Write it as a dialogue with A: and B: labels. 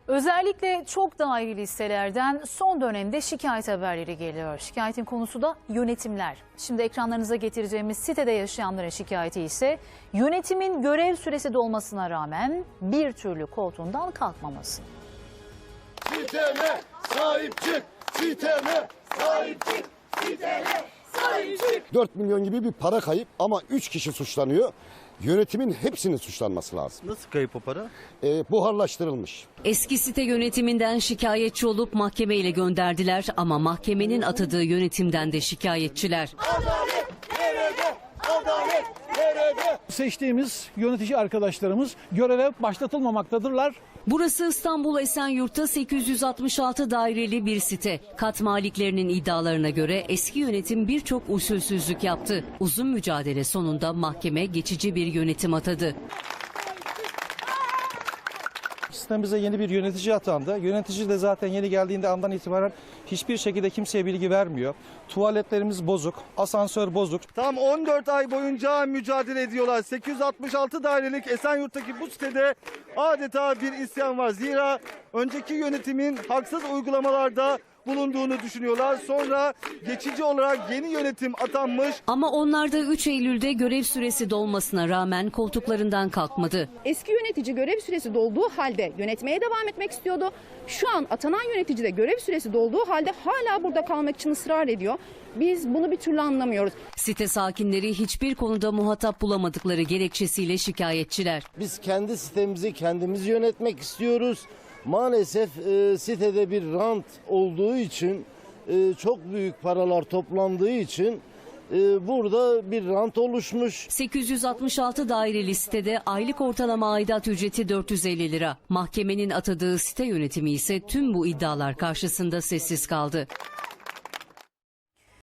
A: Özellikle çok daireli listelerden son dönemde şikayet haberleri geliyor. Şikayetin konusu da yönetimler. Şimdi ekranlarınıza getireceğimiz sitede yaşayanların şikayeti ise yönetimin görev süresi dolmasına rağmen bir türlü koltuğundan kalkmaması.
B: Siteme sahip çık, siteme sahip çık, siteme sahip çık. 4 milyon gibi bir para kayıp ama 3 kişi suçlanıyor. Yönetimin hepsinin suçlanması lazım.
C: Nasıl kayıp o para?
B: Buharlaştırılmış.
D: Eski site yönetiminden şikayetçi olup mahkemeyle gönderdiler ama mahkemenin atadığı yönetimden de şikayetçiler.
B: Adalet nerede? Adalet nerede?
E: Seçtiğimiz yönetici arkadaşlarımız göreve başlatılmamaktadırlar.
D: Burası İstanbul Esenyurt'ta 866 daireli bir site. Kat maliklerinin iddialarına göre eski yönetim birçok usulsüzlük yaptı. Uzun mücadele sonunda mahkeme geçici bir yönetim atadı.
F: Sistemimize yeni bir yönetici atandı. Yönetici de zaten yeni geldiğinde andan itibaren hiçbir şekilde kimseye bilgi vermiyor. Tuvaletlerimiz bozuk, asansör bozuk.
C: Tam 14 ay boyunca mücadele ediyorlar. 866 dairelik Esenyurt'taki bu sitede adeta bir isyan var. Zira önceki yönetimin haksız uygulamalarda bulunduğunu düşünüyorlar. Sonra geçici olarak yeni yönetim atanmış.
D: Ama onlar da 3 Eylül'de görev süresi dolmasına rağmen koltuklarından kalkmadı.
G: Eski yönetici görev süresi dolduğu halde yönetmeye devam etmek istiyordu. Şu an atanan yönetici de görev süresi dolduğu halde hala burada kalmak için ısrar ediyor. Biz bunu bir türlü anlamıyoruz.
D: Site sakinleri hiçbir konuda muhatap bulamadıkları gerekçesiyle şikayetçiler.
H: Biz kendi sitemizi kendimiz yönetmek istiyoruz. Maalesef sitede bir rant olduğu için, çok büyük paralar toplandığı için burada bir rant oluşmuş.
D: 866 daireli sitede aylık ortalama aidat ücreti 450 lira. Mahkemenin atadığı site yönetimi ise tüm bu iddialar karşısında sessiz kaldı.